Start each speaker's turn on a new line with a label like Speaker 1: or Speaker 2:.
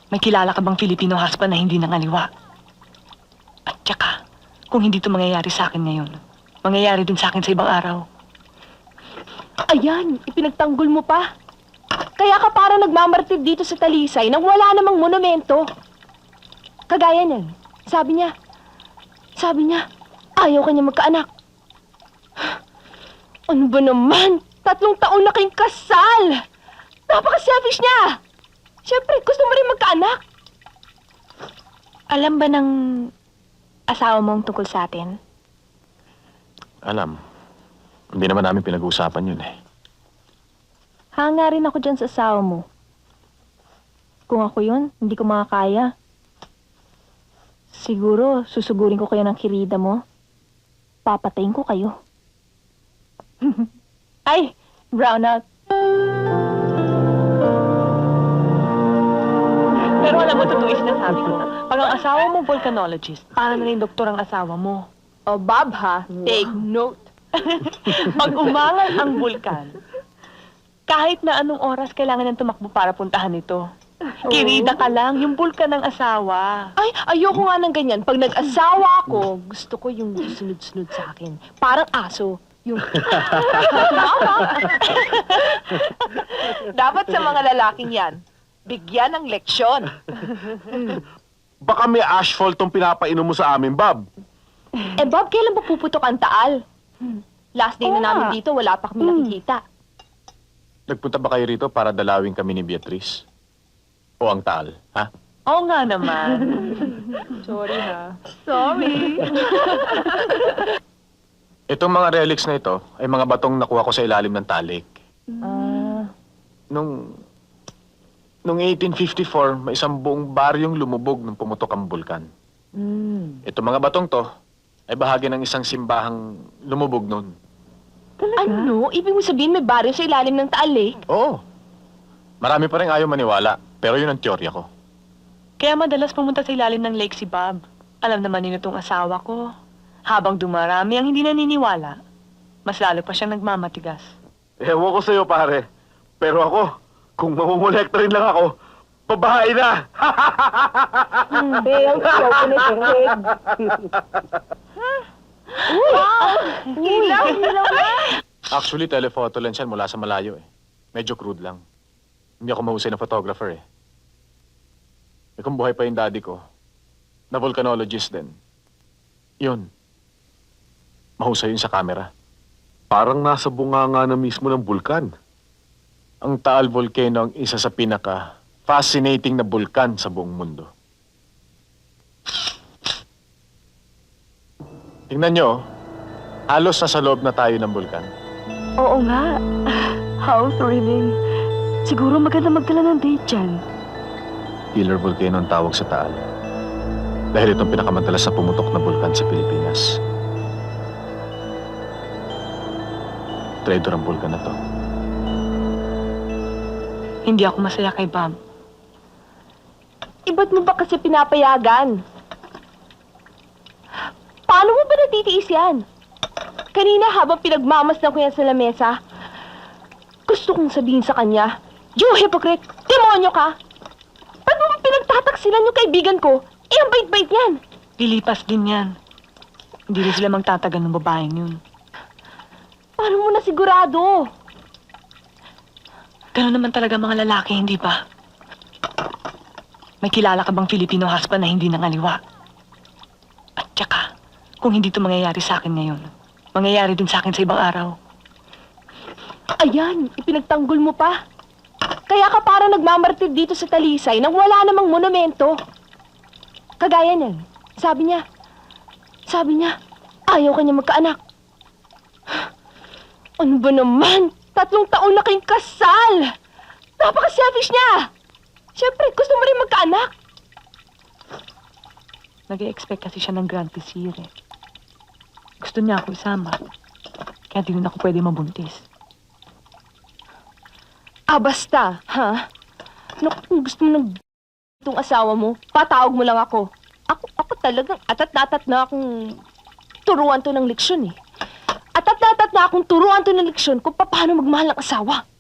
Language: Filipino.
Speaker 1: May kilala ka bang Filipino husband na hindi nangaliwa? At saka, kung hindi ito mangyayari sa akin ngayon, mangyayari din sa akin sa ibang araw.
Speaker 2: Ayan, ipinagtanggol mo pa. Kaya ka parang nagmamartir dito sa Talisay nang wala namang monumento. Kagaya niyan, sabi niya, ayaw kanya magkaanak. Ano ba naman? 3 taon na kayong kasal! Napaka-selfish niya! Siyempre, gusto mo rin magkaanak.
Speaker 3: Alam ba ng asawa mong tungkol sa atin?
Speaker 4: Alam. Hindi naman namin pinag-uusapan yun eh.
Speaker 3: Hanga rin ako dyan sa asawa mo. Kung ako yun, hindi ko makakaya. Siguro, susugurin ko kayo ng kirida mo. Papatayin ko kayo.
Speaker 2: Ay, brownout.
Speaker 1: Pero alam mo, totoo yung sinasabi ko. Pag ang asawa mo volcanologist, para na rin doktor ang asawa mo.
Speaker 2: O, Bob ha, take note.
Speaker 1: Pag umangal ang bulkan, kahit na anong oras kailangan ng tumakbo para puntahan ito. Kirida ka lang, yung bulkan ng asawa.
Speaker 2: Ay, ayoko nga ng ganyan. Pag nag-asawa ako, gusto ko yung sunod-sunod sa akin. Parang aso. Yung...
Speaker 5: Dapat sa mga lalaking yan, bigyan ng leksyon.
Speaker 4: Baka may asphalt tong pinapainom mo sa amin, Bob.
Speaker 2: Eh, Bob, kailan ba puputok ang taal? Last day na namin dito, wala pa kami nakikita.
Speaker 4: Nagpunta ba kayo rito para dalawin kami ni Beatrice? O ang taal, ha?
Speaker 1: Oo nga naman.
Speaker 2: Sorry ha.
Speaker 1: Sorry.
Speaker 4: Itong mga relics na ito ay mga batong nakuha ko sa ilalim ng talik. Nung 1854, may isang buong baryong lumubog nung pumutok ang bulkan. Itong mga batong to ay bahagi ng isang simbahang lumubog nun.
Speaker 2: Ano? Ibig mo sabihin may baryo sa ilalim ng taal eh?
Speaker 4: Oo. Marami pa rin ayaw maniwala, pero yun ang teorya ko.
Speaker 1: Kaya madalas pumunta sa ilalim ng lake si Bob. Alam naman nino itong asawa ko. Habang dumarami ang hindi naniniwala, mas lalo pa siyang nagmamatigas.
Speaker 4: Ewan ko sa'yo, pare. Pero ako, kung mamumulekta rin lang ako, babae na!
Speaker 2: Ang show ko na
Speaker 4: Actually, telephoto lens yan mula sa malayo eh. Medyo crude lang. Hindi ako mahusay na photographer eh. Eh kung buhay pa yung daddy ko, na volcanologist din, yun, mahusay yun sa camera. Parang nasa bunganga na mismo ng bulkan. Ang Taal Volcano ang isa sa pinaka-fascinating na bulkan sa buong mundo. Tingnan nyo, halos nasa loob na tayo ng bulkan.
Speaker 3: Oo nga. How thrilling. Siguro maganda magdala ng date dyan.
Speaker 4: Killer Volcano ang tawag sa Taal. Dahil itong pinakamadalas na pumutok na bulkan sa Pilipinas. Traitor ang bulkan na to.
Speaker 1: Hindi ako masaya kay Bob.
Speaker 2: Iba't mo ba kasi pinapayagan? Paano mo ba natitiis yan? Kanina habang pinagmamasdan ko yan sa lamesa, gusto kong sabihin sa kanya, you hypocrite! Demonyo ka! Ba't mo ba pinagtataksilan yung kaibigan ko? Eh, ang bait-bait yan!
Speaker 1: Lilipas din yan. Hindi rin sila magtatagal ng babaeng yun.
Speaker 2: Paano mo na sigurado?
Speaker 1: Ganun naman talaga mga lalaki, hindi ba? May kilala ka bang Filipino husband na hindi nangaliwa? At saka, kung hindi ito mangyayari sa akin ngayon, mangyayari din sa akin sa ibang araw.
Speaker 2: Ayan, ipinagtanggol mo pa. Kaya ka parang nagmamartir dito sa Talisay nang wala namang monumento. Kagaya niyan, sabi niya, ayaw kanya magkaanak. Ano ba naman? 3 taon na kayong kasal! Napaka-selfish niya! Siyempre, gusto mo rin magkaanak.
Speaker 1: Nag-e-expect kasi siya ng grand vizier eh. Gusto niya ako isama. Kaya di rin ako pwede mabuntis.
Speaker 2: Ah, basta, ha? Naku, kung gusto mo ng itong asawa mo, patawag mo lang ako. Ako talagang atat-atat na akong turuan to ng leksyon eh. Atat-atat na akong turuan to ng leksyon kung paano magmahal ng asawa.